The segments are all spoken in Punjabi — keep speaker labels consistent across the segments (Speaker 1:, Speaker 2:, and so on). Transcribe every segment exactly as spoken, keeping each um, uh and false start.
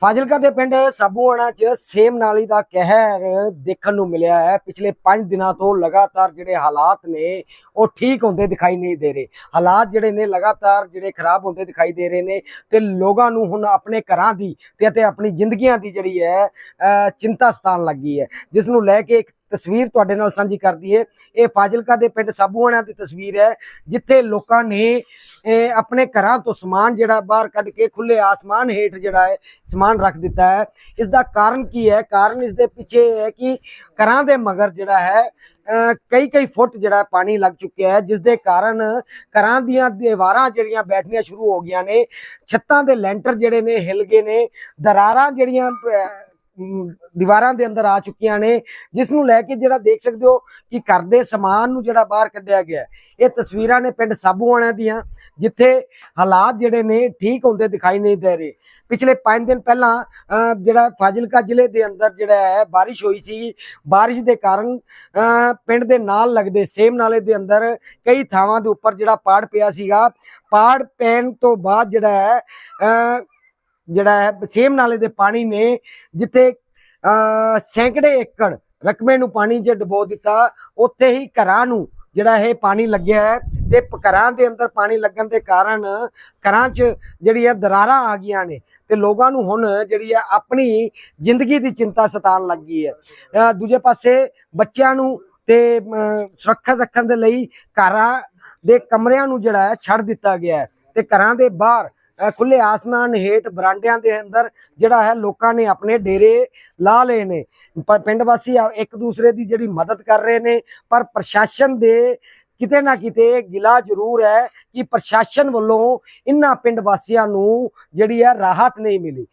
Speaker 1: ਫਾਜ਼ਿਲਕਾ ਦੇ ਪਿੰਡ ਸਾਬੂਆਣਾ ਚ ਸੇਮ ਨਾਲੀ ਦਾ ਕਹਿਰ ਦੇਖਣ ਨੂੰ ਮਿਲਿਆ ਹੈ। ਪਿਛਲੇ ਪੰਜ ਦਿਨਾਂ ਤੋਂ ਲਗਾਤਾਰ ਜਿਹੜੇ ਹਾਲਾਤ ਨੇ ਉਹ ਠੀਕ ਹੁੰਦੇ ਦਿਖਾਈ ਨਹੀਂ ਦੇ ਰਹੇ। ਹਾਲਾਤ ਜਿਹੜੇ ਨੇ ਲਗਾਤਾਰ ਜਿਹੜੇ ਖਰਾਬ ਹੁੰਦੇ ਦਿਖਾਈ ਦੇ ਰਹੇ ਨੇ ਤੇ ਲੋਕਾਂ ਨੂੰ ਹੁਣ ਆਪਣੇ ਘਰਾਂ ਦੀ ਤੇ ਅਤੇ ਆਪਣੀ ਜ਼ਿੰਦਗੀਆਂ ਦੀ ਜਿਹੜੀ ਹੈ ਚਿੰਤਾ ਸਤਾਉਣ ਲੱਗੀ ਹੈ, ਜਿਸ ਨੂੰ ਲੈ ਕੇ ਇੱਕ ਤਸਵੀਰ ਤੁਹਾਡੇ ਨਾਲ ਸਾਂਝੀ ਕਰਦੀ ਹੈ। ਇਹ ਫਾਜ਼ਿਲਕਾ ਦੇ ਪਿੰਡ ਸਾਬੂਆਣਾ ਦੀ ਤਸਵੀਰ ਹੈ, ਜਿੱਥੇ ਲੋਕਾਂ ਨੇ ਆਪਣੇ ਘਰਾਂ ਤੋਂ ਸਮਾਨ ਜਿਹੜਾ ਬਾਹਰ ਕੱਢ ਕੇ ਖੁੱਲੇ ਆਸਮਾਨ ਹੇਠ ਜਿਹੜਾ ਹੈ ਸਮਾਨ ਰੱਖ ਦਿੱਤਾ ਹੈ। ਇਸ ਦਾ ਕਾਰਨ ਕੀ ਹੈ? ਕਾਰਨ ਇਸ ਦੇ ਪਿੱਛੇ ਹੈ ਕਿ ਘਰਾਂ ਦੇ ਮਗਰ ਜਿਹੜਾ ਹੈ ਕਈ ਕਈ ਫੁੱਟ ਜਿਹੜਾ ਪਾਣੀ ਲੱਗ ਚੁੱਕਿਆ ਹੈ, ਜਿਸ ਦੇ ਕਾਰਨ ਘਰਾਂ ਦੀਆਂ ਦੀਵਾਰਾਂ ਜਿਹੜੀਆਂ ਬੈਠਣੀਆਂ ਸ਼ੁਰੂ ਹੋ ਗਈਆਂ ਨੇ, ਛੱਤਾਂ ਦੇ ਲੈਂਟਰ ਜਿਹੜੇ ਨੇ ਹਿੱਲ ਗਏ ਨੇ, ਦਰਾਰਾਂ ਜਿਹੜੀਆਂ ਦੀਵਾਰਾਂ ਦੇ ਅੰਦਰ ਆ ਚੁੱਕੀਆਂ ਨੇ, ਜਿਸ ਨੂੰ ਲੈ ਕੇ ਜਿਹੜਾ ਦੇਖ ਸਕਦੇ ਹੋ ਕਿ ਘਰ ਦੇ ਸਮਾਨ ਨੂੰ ਜਿਹੜਾ ਬਾਹਰ ਕੱਢਿਆ ਗਿਆ। ਇਹ ਤਸਵੀਰਾਂ ਨੇ ਪਿੰਡ ਸਾਬੂਆਣਾ ਦੀਆਂ, ਜਿੱਥੇ ਹਾਲਾਤ ਜਿਹੜੇ ਨੇ ਠੀਕ ਹੁੰਦੇ ਦਿਖਾਈ ਨਹੀਂ ਦੇ ਰਹੇ। ਪਿਛਲੇ ਪੰਜ ਦਿਨ ਪਹਿਲਾਂ ਜਿਹੜਾ ਫਾਜ਼ਿਲਕਾ ਜ਼ਿਲ੍ਹੇ ਦੇ ਅੰਦਰ ਜਿਹੜਾ ਹੈ ਬਾਰਿਸ਼ ਹੋਈ ਸੀ। ਬਾਰਿਸ਼ ਦੇ ਕਾਰਨ ਪਿੰਡ ਦੇ ਨਾਲ ਲੱਗਦੇ ਸੇਮ ਨਾਲੇ ਦੇ ਅੰਦਰ ਕਈ ਥਾਵਾਂ ਦੇ ਉੱਪਰ ਜਿਹੜਾ ਪਾੜ ਪਿਆ ਸੀਗਾ। ਪਾੜ ਪੈਣ ਤੋਂ ਬਾਅਦ ਜਿਹੜਾ ਹੈ ਜਿਹੜਾ ਹੈ ਸੇਮ ਨਾਲੇ ਦੇ ਪਾਣੀ ਨੇ ਜਿੱਥੇ ਸੈਂਕੜੇ ਏਕੜ ਰਕਬੇ ਨੂੰ ਪਾਣੀ 'ਚ ਡੁਬੋ ਦਿੱਤਾ, ਉੱਥੇ ਹੀ ਘਰਾਂ ਨੂੰ ਜਿਹੜਾ ਇਹ ਪਾਣੀ ਲੱਗਿਆ ਹੈ ਤੇ ਘਰਾਂ ਦੇ ਅੰਦਰ ਪਾਣੀ ਲੱਗਣ ਦੇ ਕਾਰਨ ਘਰਾਂ 'ਚ ਜਿਹੜੀ ਹੈ ਦਰਾਰਾਂ ਆ ਗਈਆਂ ਨੇ ਤੇ ਲੋਕਾਂ ਨੂੰ ਹੁਣ ਜਿਹੜੀ ਹੈ ਆਪਣੀ ਜ਼ਿੰਦਗੀ ਦੀ ਚਿੰਤਾ ਸਤਾਉਣ ਲੱਗੀ ਹੈ। ਦੂਜੇ ਪਾਸੇ ਬੱਚਿਆਂ ਨੂੰ ਤੇ ਸੁਰੱਖਿਅਤ ਰੱਖਣ ਦੇ ਲਈ ਘਰਾਂ ਦੇ ਕਮਰਿਆਂ ਨੂੰ ਜਿਹੜਾ ਹੈ ਛੱਡ ਦਿੱਤਾ ਗਿਆ ਹੈ ਤੇ ਘਰਾਂ ਦੇ ਬਾਹਰ ਖੁੱਲੇ ਆਸਮਾਨ ਹੇਠ ਬਰਾਂਡਿਆਂ ਦੇ ਅੰਦਰ ਜਿਹੜਾ ਹੈ ਲੋਕਾਂ ਨੇ ਆਪਣੇ ਡੇਰੇ ਲਾ ਲਏ ਨੇ। ਪਰ ਪਿੰਡ ਵਾਸੀ ਇੱਕ ਦੂਸਰੇ ਦੀ ਜਿਹੜੀ ਮਦਦ ਕਰ ਰਹੇ ਨੇ, ਪਰ ਪ੍ਰਸ਼ਾਸਨ ਦੇ ਕਿਤੇ ਨਾ ਕਿਤੇ ਗਿਲਾ ਜ਼ਰੂਰ ਹੈ ਕਿ ਪ੍ਰਸ਼ਾਸਨ ਵੱਲੋਂ ਇਹਨਾਂ ਪਿੰਡ ਵਾਸੀਆਂ ਨੂੰ ਜਿਹੜੀ ਹੈ ਰਾਹਤ ਨਹੀਂ ਮਿਲੀ।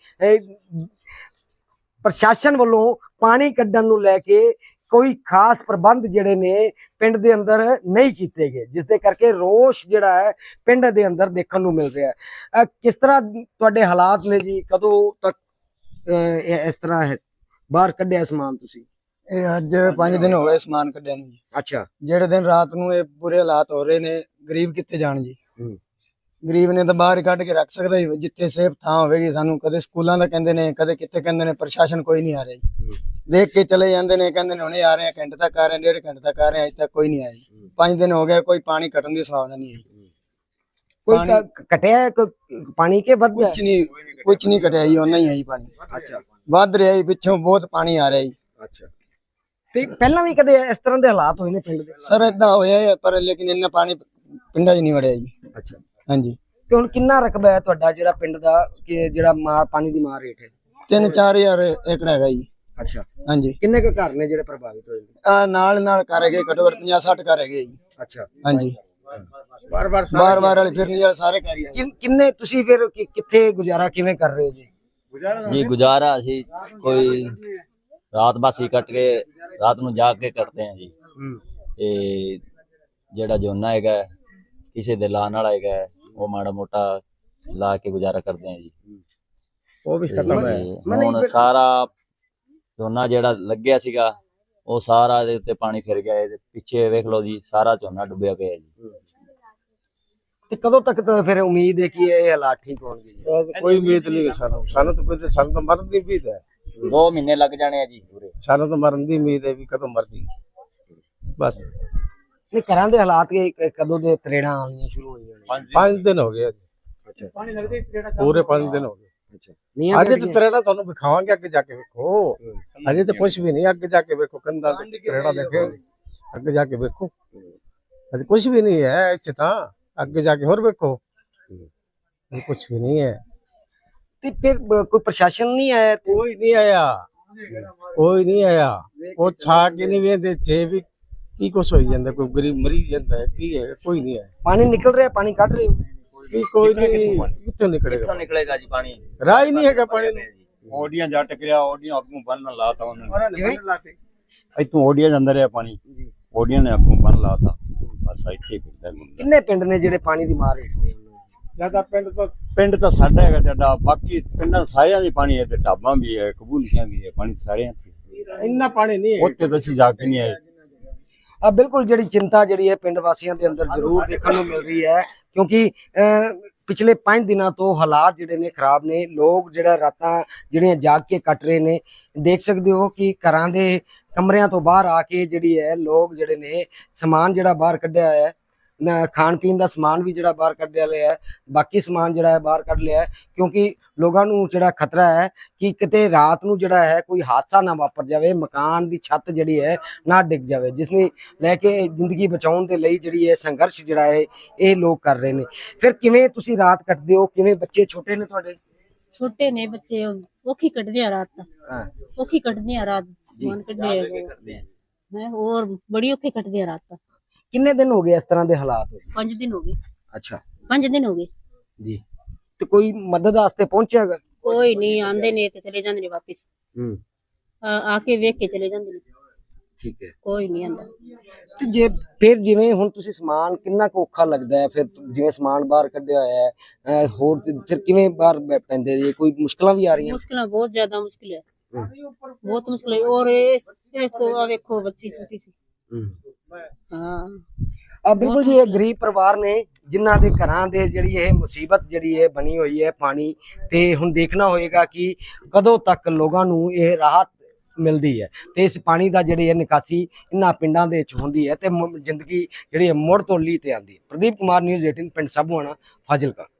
Speaker 1: ਪ੍ਰਸ਼ਾਸਨ ਵੱਲੋਂ ਪਾਣੀ ਕੱਢਣ ਨੂੰ ਲੈ ਕੇ ਕੋਈ ਖਾਸ ਪ੍ਰਬੰਧ ਜਿਹੜੇ ਨੇ ਪਿੰਡ ਦੇ ਅੰਦਰ ਨਹੀਂ ਕੀਤੇ ਗਏ, ਜਿਸ ਦੇ ਕਰਕੇ ਰੋਸ਼ ਜਿਹੜਾ ਹੈ ਪਿੰਡ ਦੇ ਅੰਦਰ ਦੇਖਣ ਨੂੰ ਮਿਲ ਰਿਹਾ ਹੈ। ਕਿਸ ਤਰ੍ਹਾਂ ਤੁਹਾਡੇ ਹਾਲਾਤ ਨੇ ਜੀ? ਕਦੋਂ ਤੱਕ ਇਸ ਤਰ੍ਹਾਂ ਹੈ ਬਾਹਰ ਕੱਢਿਆ ਸਮਾਨ ਤੁਸੀਂ?
Speaker 2: ਇਹ ਅੱਜ ਪੰਜ ਦਿਨ ਹੋ ਗਏ ਸਮਾਨ ਕੱਢਿਆ ਨੂੰ ਜੀ।
Speaker 1: ਅੱਛਾ।
Speaker 2: ਜਿਹੜੇ ਦਿਨ ਰਾਤ ਨੂੰ ਇਹ ਬੁਰੇ ਹਾਲਾਤ ਹੋ ਰਹੇ ਨੇ, ਗਰੀਬ ਕਿੱਥੇ ਜਾਣ ਜੀ? ਗਰੀਬ ਨੇ ਤਾਂ ਬਾਹਰ ਕੱਢ ਕੇ ਰੱਖ ਸਕਦਾ ਹੀ, ਜਿੱਥੇ ਸੇਫ ਥਾਂ ਹੋਵੇਗੀ। ਸਾਨੂੰ ਕਦੇ ਸਕੂਲਾਂ ਦਾ ਕਹਿੰਦੇ ਨੇ, ਕਦੇ ਕਿੱਥੇ ਕਹਿੰਦੇ ਨੇ, ਪ੍ਰਸ਼ਾਸਨ ਕੋਈ ਨਹੀਂ ਆ ਰਿਹਾ ਜੀ। ਦੇਖ ਕੇ ਚਲੇ ਜਾਂਦੇ ਨੇ, ਕਹਿੰਦੇ ਨੇ ਹੁਣੇ ਆ ਰਹੇ ਆ, ਘੰਟੇ ਤੱਕ ਆ ਰਹੇ ਆ, ਡੇਢ ਘੰਟੇ ਤੱਕ ਆ ਰਹੇ ਆ, ਅਜੇ ਤੱਕ ਕੋਈ ਨਹੀਂ ਆਇਆ ਜੀ। ਪੰਜ ਦਿਨ ਹੋ ਗਏ, ਕੋਈ ਪਾਣੀ ਘਟਣ ਦੀ ਸੰਭਾਵਨਾ ਨਹੀਂ ਹੈ।
Speaker 1: ਕੋਈ ਘਟਿਆ ਪਾਣੀ ਕੇ ਵੱਧ?
Speaker 2: ਕੁਛ ਨਹੀਂ, ਕੁਛ ਨਹੀਂ ਘਟਿਆ ਜੀ, ਉਹਨਾਂ ਹੀ ਹੈ ਜੀ ਪਾਣੀ।
Speaker 1: ਅੱਛਾ।
Speaker 2: ਵੱਧ ਰਿਹਾ ਜੀ, ਪਿੱਛੋਂ ਬਹੁਤ ਪਾਣੀ ਆ ਰਿਹਾ ਜੀ।
Speaker 1: ਅੱਛਾ। ਤੇ ਪਹਿਲਾਂ ਵੀ ਕਦੇ ਇਸ ਤਰ੍ਹਾਂ ਦੇ ਹਾਲਾਤ ਹੋਏ ਨੇ ਪਿੰਡ ਦੇ?
Speaker 2: ਸਰ ਏਦਾਂ ਹੋਇਆ ਪਰ ਲੇਕਿਨ ਇੰਨਾ ਪਾਣੀ ਪਿੰਡਾਂ 'ਚ ਨਹੀਂ ਵੜਿਆ ਜੀ।
Speaker 1: ਅੱਛਾ।
Speaker 2: ਹਾਂਜੀ।
Speaker 1: ਤੇ ਹੁਣ ਕਿੰਨਾ ਰਕਬਾ ਹੈ ਤੁਹਾਡਾ ਜਿਹੜਾ ਪਿੰਡ ਦਾ, ਕਿ ਜਿਹੜਾ ਮਾਰ ਪਾਣੀ ਦੀ ਮਾਰ ਰੇਟ ਹੈ?
Speaker 2: ਤਿੰਨ ਚਾਰ ਹਜ਼ਾਰ ਏਕੜ ਹੈਗਾ ਜੀ।
Speaker 1: ਅੱਛਾ।
Speaker 2: ਹਾਂਜੀ।
Speaker 1: ਕਿੰਨੇ ਕੁ ਘਰ ਨੇ ਜਿਹੜੇ ਪ੍ਰਭਾਵਿਤ ਹੋਏ ਨੇ?
Speaker 2: ਆ ਨਾਲ ਨਾਲ ਘਰ ਹੈਗੇ, ਘੱਟੋ ਘੱਟ ਪੰਜਾਹ ਸੱਠ ਘਰ ਹੈਗੇ ਜੀ।
Speaker 1: ਅੱਛਾ।
Speaker 2: ਹਾਂਜੀ। ਬਾਰ ਬਾਰ ਬਾਰ ਬਾਰ ਵਾਲੇ ਫਿਰਨੀ ਵਾਲੇ ਸਾਰੇ ਘਰ ਹੀ।
Speaker 1: ਕਿੰਨੇ ਤੁਸੀਂ ਫਿਰ ਕਿੱਥੇ ਗੁਜ਼ਾਰਾ ਕਿਵੇਂ ਕਰ ਰਹੇ ਹੋ ਜੀ?
Speaker 3: ਜੀ ਗੁਜ਼ਾਰਾ ਅਸੀਂ ਕੋਈ ਰਾਤ ਬਾਸੀ ਕੱਟ ਕੇ ਰਾਤ ਨੂੰ ਜਾ ਕੇ ਕਰਦੇ ਆ ਜੀ। ਤੇ ਜਿਹੜਾ ਝੋਨਾ ਹੈਗਾ ਕਿਸੇ ਦੇ ਲਾਣ ਵਾਲਾ ਹੈਗਾ, ਉਹ ਮਾੜਾ ਮੋਟਾ ਲਾ ਕੇ ਗੁਜ਼ਾਰਾ ਕਰਦੇ ਆ ਜੀ।
Speaker 1: ਉਹ ਵੀ ਖਤਮ ਹੈ
Speaker 3: ਹੁਣ ਸਾਰਾ ਝੋਨਾ ਜਿਹੜਾ ਲੱਗਿਆ ਸੀਗਾ ਉਹ ਸਾਰਾ ਇਹਦੇ ਉੱਤੇ ਪਾਣੀ ਫਿਰ ਗਿਆ। ਇਹਦੇ ਪਿੱਛੇ ਵੇਖ ਲਓ ਜੀ, ਸਾਰਾ ਝੋਨਾ ਡੁੱਬਿਆ ਪਿਆ ਜੀ।
Speaker 1: ਤੇ ਕਦੋਂ ਤੱਕ ਤਾਂ ਫਿਰ ਉਮੀਦ ਹੈ ਕਿ ਇਹ ਹਾਲਾਤ ਠੀਕ ਹੋਣਗੇ?
Speaker 2: ਕੋਈ ਉਮੀਦ ਨਹੀਂ ਸਾਨੂੰ, ਸਾਨੂੰ ਤਾਂ ਕੋਈ ਸਾਨੂੰ ਤਾਂ ਮਰਨ ਦੀ ਉਮੀਦ ਹੈ।
Speaker 3: ਦੋ ਮਹੀਨੇ ਲੱਗ ਜਾਣੇ ਆ ਜੀ ਪੂਰੇ।
Speaker 2: ਸਾਨੂੰ ਤਾਂ ਮਰਨ ਦੀ ਉਮੀਦ ਹੈ ਵੀ ਕਦੋਂ ਮਰ ਜੀ ਬਸ।
Speaker 1: ਨਹੀਂ, ਘਰਾਂ ਦੇ ਹਾਲਾਤ ਕਦੋਂ ਦੇ ਤਰੇੜਾਂ ਆਉਣੀਆਂ ਸ਼ੁਰੂ ਹੋਈਆਂ ਨੇ?
Speaker 2: ਪੰਜ ਦਿਨ ਹੋ ਗਏ।
Speaker 1: ਅੱਛਾ।
Speaker 2: ਪੂਰੇ ਪੰਜ ਦਿਨ ਹੋ ਗਏ।
Speaker 1: ਅੱਛਾ।
Speaker 2: ਅਜੇ ਤੇ ਤਰੇੜਾ ਤੁਹਾਨੂੰ ਵਿਖਾਵਾਂਗੇ, ਅੱਗੇ ਜਾ ਕੇ ਵੇਖੋ। ਅਜੇ ਤੇ ਕੁਝ ਵੀ ਨਹੀਂ, ਅੱਗੇ ਜਾ ਕੇ ਵੇਖੋ, ਕੰਧਾਂ ਤੇ ਤਰੇੜਾ ਦੇਖੋ, ਅੱਗੇ ਜਾ ਕੇ ਵੇਖੋ। ਅਜੇ ਕੁਝ ਵੀ ਨਹੀਂ ਹੈ ਇੱਥੇ, ਤਾਂ ਅੱਗੇ ਜਾ ਕੇ ਹੋਰ ਵੇਖੋ, ਕੁਝ ਵੀ ਨਹੀਂ ਹੈ।
Speaker 1: ਤੇ ਫਿਰ ਕੋਈ ਪ੍ਰਸ਼ਾਸਨ ਨਹੀਂ ਆਇਆ?
Speaker 2: ਕੋਈ ਨਹੀਂ ਆਇਆ, ਕੋਈ ਨਹੀਂ ਆਇਆ। ਉਹ ਛਾ ਕੇ ਨਹੀਂ ਵੇਖਦੇ ਥੇ ਵੀ ਕੀ ਕੁਛ ਹੋਈ ਜਾਂਦਾ, ਕੋਈ ਗਰੀਬ ਮਰੀ ਜਾਂਦਾ ਹੈ, ਕੀ ਹੈ, ਕੋਈ ਨਹੀਂ ਆਇਆ।
Speaker 1: ਪਾਣੀ ਨਿਕਲ ਰਿਹਾ, ਪਾਣੀ ਕੱਢ ਰਹੇ ਹੋ?
Speaker 2: ਕੋਈ ਨਹੀਂ, ਕਿੱਥੋਂ ਨਿਕਲੇਗਾ?
Speaker 3: ਕਿੱਥੋਂ ਨਿਕਲੇਗਾ ਜੀ ਪਾਣੀ?
Speaker 2: ਰਾਹ ਹੀ ਨਹੀਂ ਹੈਗਾ ਪਾਣੀ ਨੂੰ।
Speaker 4: ओडिया जा टकरिया ओडिया आपको बन लाता उन्होंने इतों ओडिया अंदर है पानी ओडिया ने आपको बन लाता बस इतने पिंड है।
Speaker 1: किन्ने पिंड ने जेडे पानी दी मार हेठ ने?
Speaker 2: ज्यादा पिंड तो
Speaker 4: पिंड तो साडा है ज्यादा, बाकी पिंडां सारियां दी पानी है ते ढाबां भी है, कबूलियां भी है, पानी सारे
Speaker 2: इन्ना पानी नहीं है।
Speaker 4: उत्ते तो असीं जाके नहीं आए।
Speaker 1: अब बिल्कुल जिहड़ी चिंता जिहड़ी है पिंड वासियां दे अंदर जरूर देखने को मिल रही है, क्योंकि ਪਿਛਲੇ ਪੰਜ ਦਿਨਾਂ ਤੋਂ ਹਾਲਾਤ ਜਿਹੜੇ ਨੇ ਖਰਾਬ ਨੇ। ਲੋਕ ਜਿਹੜਾ ਰਾਤਾਂ ਜਿਹੜੀਆਂ ਜਾਗ ਕੇ ਕੱਟ ਰਹੇ ਨੇ। ਦੇਖ ਸਕਦੇ ਹੋ ਕਿ ਘਰਾਂ ਦੇ ਕਮਰਿਆਂ ਤੋਂ ਬਾਹਰ ਆ ਕੇ ਜਿਹੜੀ ਹੈ ਲੋਕ ਜਿਹੜੇ ਨੇ ਸਮਾਨ ਜਿਹੜਾ ਬਾਹਰ ਕੱਢਿਆ ਹੋਇਆ ਹੈ, ਨਾ ਖਾਣ ਪੀਣ ਦਾ ਸਮਾਨ ਵੀ ਜਿਹੜਾ ਬਾਹਰ ਕੱਢਿਆ ਲਿਆ ਹੈ, ਬਾਕੀ ਸਮਾਨ ਜਿਹੜਾ ਹੈ ਬਾਹਰ ਕੱਢ ਲਿਆ ਹੈ, ਕਿਉਂਕਿ ਲੋਕਾਂ ਨੂੰ ਜਿਹੜਾ ਖਤਰਾ ਹੈ ਕਿ ਕਿਤੇ ਰਾਤ ਨੂੰ ਜਿਹੜਾ ਹੈ ਕੋਈ ਹਾਦਸਾ ਨਾ ਵਾਪਰ ਜਾਵੇ, ਮਕਾਨ ਦੀ ਛੱਤ ਜਿਹੜੀ ਹੈ ਨਾ ਡਿੱਗ ਜਾਵੇ, ਜਿਸ ਨੇ ਲੈ ਕੇ ਜ਼ਿੰਦਗੀ ਬਚਾਉਣ ਦੇ ਲਈ ਜਿਹੜੀ ਹੈ ਸੰਘਰਸ਼ ਜਿਹੜਾ ਹੈ ਇਹ ਲੋਕ ਕਰ ਰਹੇ ਨੇ। ਫਿਰ ਕਿਵੇਂ ਤੁਸੀਂ ਰਾਤ ਕੱਟਦੇ ਹੋ? ਕਿਵੇਂ ਬੱਚੇ ਛੋਟੇ ਨੇ ਤੁਹਾਡੇ?
Speaker 5: ਛੋਟੇ ਨੇ ਬੱਚੇ, ਔਖੀ ਕੱਢਦੇ ਆ ਰਾਤ,
Speaker 1: ਹਾਂ
Speaker 5: ਔਖੀ ਕੱਢਦੇ ਆ ਰਾਤ, ਸਮਾਨ ਕੱਢਦੇ ਹੈ ਹੋਰ ਬੜੀ ਔਖੀ ਕੱਢਦੇ ਆ ਰਾਤ।
Speaker 1: ਕਿੰਨੇ ਦਿਨ ਹੋ ਗਏ ਇਸ ਤਰ੍ਹਾਂ ਦੇ ਹਾਲਾਤ ਹੋਏ?
Speaker 5: ਪੰਜ ਦਿਨ ਹੋ ਗਏ,
Speaker 1: ਅੱਛਾ
Speaker 5: ਪੰਜ ਦਿਨ ਹੋ ਗਏ
Speaker 1: ਜੀ। ਤੇ ਕੋਈ ਮਦਦ ਵਾਸਤੇ ਪਹੁੰਚਿਆਗਾ?
Speaker 5: ਕੋਈ ਨਹੀਂ, ਆਂਦੇ ਨੇ ਤੇ ਚਲੇ ਜਾਂਦੇ ਨੇ ਵਾਪਿਸ,
Speaker 1: ਹੂੰ
Speaker 5: ਆ ਆ ਕੇ ਵੇਖ ਕੇ ਚਲੇ ਜਾਂਦੇ ਨੇ,
Speaker 1: ਠੀਕ ਹੈ।
Speaker 5: ਕੋਈ ਨਹੀਂ ਆਂਦਾ।
Speaker 1: ਤੇ ਜੇ ਫਿਰ ਜਿਵੇਂ ਹੁਣ ਤੁਸੀਂ ਸਮਾਨ ਕਿੰਨਾ ਕੁ ਔਖਾ ਲੱਗਦਾ ਹੈ, ਫਿਰ ਜਿਵੇਂ ਸਮਾਨ ਬਾਹਰ ਕੱਢਿਆ ਹੋਇਆ ਹੈ, ਅਹ ਹੋਰ ਤੇ ਫਿਰ ਕਿਵੇਂ ਬਾਹਰ ਬੈ- ਪੈਂਦੇ ਜੀ? ਕੋਈ ਮੁਸ਼ਕਲਾਂ ਵੀ ਆ ਰਹੀਆਂ?
Speaker 5: ਮੁਸ਼ਕਿਲਾਂ ਬਹੁਤ ਜ਼ਿਆਦਾ ਮੁਸ਼ਕਿਲ ਹੈ,
Speaker 1: ਹੂੰ,
Speaker 5: ਬਹੁਤ ਮੁਸ਼ਕਿਲ ਹੈ। ਔਰ ਇਸ ਇਸ ਤੋਂ ਆ ਵੇਖੋ ਬੱਚੀ ਛੋਟੀ ਸੀ।
Speaker 1: ਹੂੰ।
Speaker 5: ਹਾਂ
Speaker 1: ਆ ਬਿਲਕੁਲ ਜੀ, ਇਹ ਗਰੀਬ ਪਰਿਵਾਰ ਨੇ ਜਿਨ੍ਹਾਂ ਦੇ ਘਰਾਂ ਦੇ ਜਿਹੜੀ ਇਹ ਮੁਸੀਬਤ ਜਿਹੜੀ ਹੈ ਬਣੀ ਹੋਈ ਹੈ ਪਾਣੀ ਤੇ। ਹੁਣ ਦੇਖਣਾ ਹੋਏਗਾ ਕਿ ਕਦੋਂ ਤੱਕ ਲੋਕਾਂ ਨੂੰ ਇਹ ਰਾਹਤ ਮਿਲਦੀ ਹੈ ਤੇ ਇਸ ਪਾਣੀ ਦਾ ਜਿਹੜੀ ਹੈ ਨਿਕਾਸੀ ਇਹਨਾਂ ਪਿੰਡਾਂ ਦੇ ਵਿੱਚ ਹੁੰਦੀ ਹੈ ਤੇ ਮੁ- ਜ਼ਿੰਦਗੀ ਜਿਹੜੀ ਹੈ ਮੁੜ ਤੋਂ ਲੀਹ ਤੇ ਆਉਂਦੀ ਹੈ। ਪ੍ਰਦੀਪ ਕੁਮਾਰ, ਨਿਊਜ਼ ਅਠਾਰਾਂ, ਪਿੰਡ ਸਾਬੂਆਣਾ, ਫਾਜ਼ਿਲਕਾ।